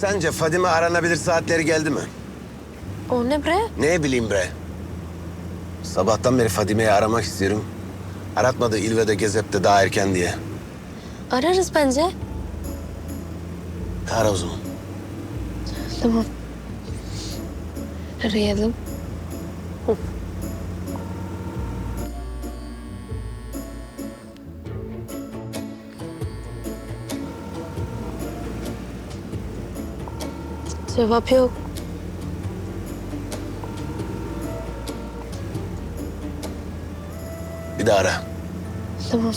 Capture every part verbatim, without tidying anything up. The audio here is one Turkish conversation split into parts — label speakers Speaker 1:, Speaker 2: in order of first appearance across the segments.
Speaker 1: Sence Fadime aranabilir saatleri geldi mi?
Speaker 2: O ne bre?
Speaker 1: Ne bileyim bre. Sabahtan beri Fadime'yi aramak istiyorum. Aratmadı İlve'de Gezep'te daha erken diye.
Speaker 2: Ararız bence.
Speaker 1: Ara o zaman.
Speaker 2: Tamam. Arayalım. Hı. Cevap yok.
Speaker 1: Bir daha ara.
Speaker 2: Tamam.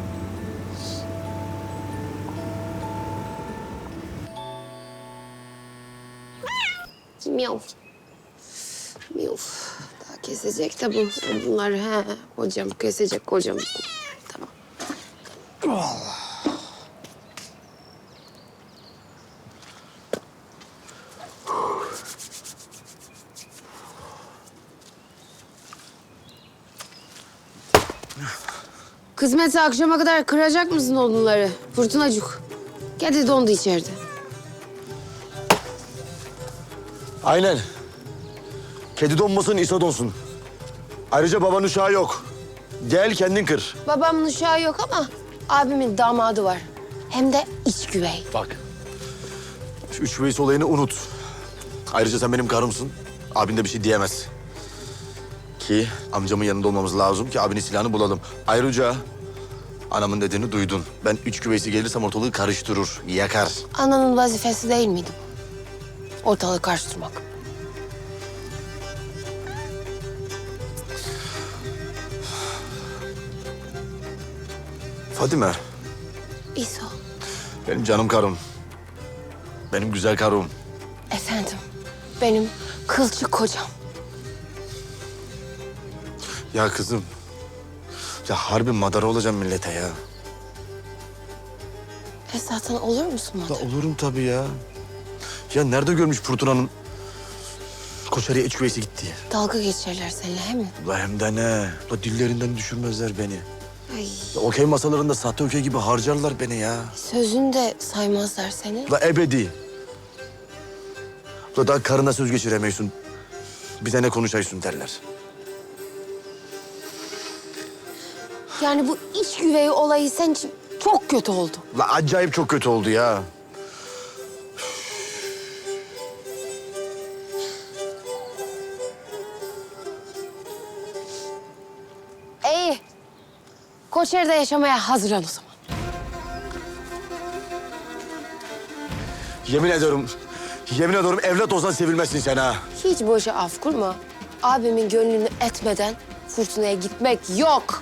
Speaker 2: Miyav. Miyav. Daha kesecek de bu, bunlar. He, hocam kesecek hocam. Tamam. Kısmetse akşama kadar kıracak mısın odunları? Fırtınacık. Kedi dondu içeride.
Speaker 3: Aynen. Kedi donmasın, İsa donsun. Ayrıca babanın uşağı yok. Gel kendin kır.
Speaker 2: Babamın uşağı yok ama abimin damadı var. Hem de iç güvey.
Speaker 3: Bak. Şu üç veys olayını unut. Ayrıca sen benim karımsın. Abin de bir şey diyemez. Ki amcamın yanında olmamız lazım ki abinin silahını bulalım. Ayrıca anamın dediğini duydun. Ben üç güveysi gelirsem ortalığı karıştırır, yakar.
Speaker 2: Ananın vazifesi değil miydi bu? Ortalığı karıştırmak.
Speaker 3: Fadime,
Speaker 2: İso,
Speaker 3: benim canım karım. Benim güzel karım.
Speaker 2: efendim. Benim kılçık kocam.
Speaker 3: Ya kızım. Ya harbi madara olacağım millete ya.
Speaker 2: E zaten olur musun
Speaker 3: Da
Speaker 2: Madar?
Speaker 3: olurum tabii ya. Ya nerede görmüş Fırtına'nın Koçarı'ya iç güveysi gittiği?
Speaker 2: Dalga geçerler seninle he mi?
Speaker 3: La hem de ne? La dillerinden düşürmezler beni.
Speaker 2: Ay,
Speaker 3: Ya okey masalarında sahte okey gibi harcarlar beni ya.
Speaker 2: sözünü de saymazlar seni.
Speaker 3: La ebedi. La daha karına söz geçiremiyorsun. Bir de ne konuşaysın derler.
Speaker 2: Yani bu iç güvey olayı senin için çok kötü oldu.
Speaker 3: La acayip çok kötü oldu ya.
Speaker 2: İyi. Koçeri'de yaşamaya hazır ol o zaman.
Speaker 3: Yemin ediyorum, yemin ediyorum evlat olsan sevilmezsin sen ha.
Speaker 2: Hiç boşa af kurma. Abimin gönlünü etmeden fırtınaya gitmek yok.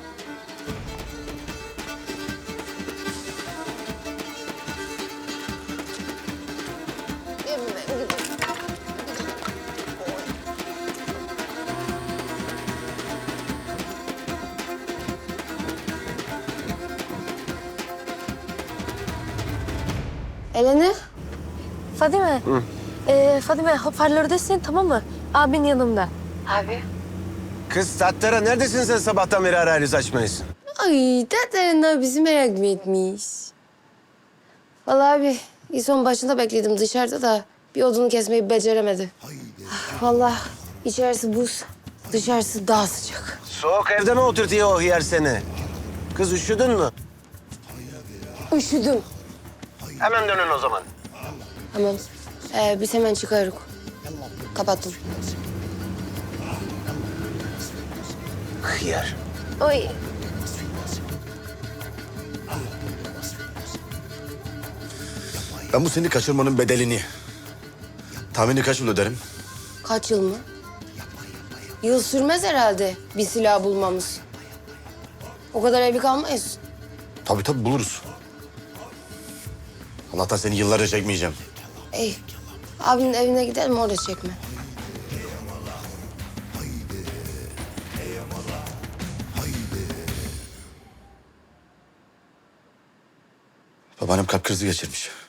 Speaker 2: Eleni. Fadime. Hı. Ee, Fadime hoparlördesin tamam mı? Abin yanımda. Abi.
Speaker 1: Kız Tattara neredesin sen sabahtan beri arayınız açmayız?
Speaker 2: Ay dede bizi merak mı etmiş? Vallahi abi İson başında bekledim dışarıda da bir odunu kesmeyi beceremedi. Ah, vallahi içerisi buz, dışarısı daha sıcak.
Speaker 1: Soğuk evde mi oturtuyor o hıyar seni? Kız üşüdün mü?
Speaker 2: Üşüdüm.
Speaker 1: Hemen dönün o zaman.
Speaker 2: Tamam. Ee, biz hemen çıkarız. Kapattım.
Speaker 1: Hıyar.
Speaker 2: Oy.
Speaker 3: Ben bu seni kaçırmanın bedelini tahmini kaç yıl öderim?
Speaker 2: Kaç yıl mı? Yıl sürmez herhalde bir silah bulmamız. O kadar evli kalmayız.
Speaker 3: Tabii tabii buluruz. Allah'tan seni yıllarca çekmeyeceğim.
Speaker 2: Ey, abinin evine gidelim orada çekme.
Speaker 3: Babaannem kalp krizi geçirmiş.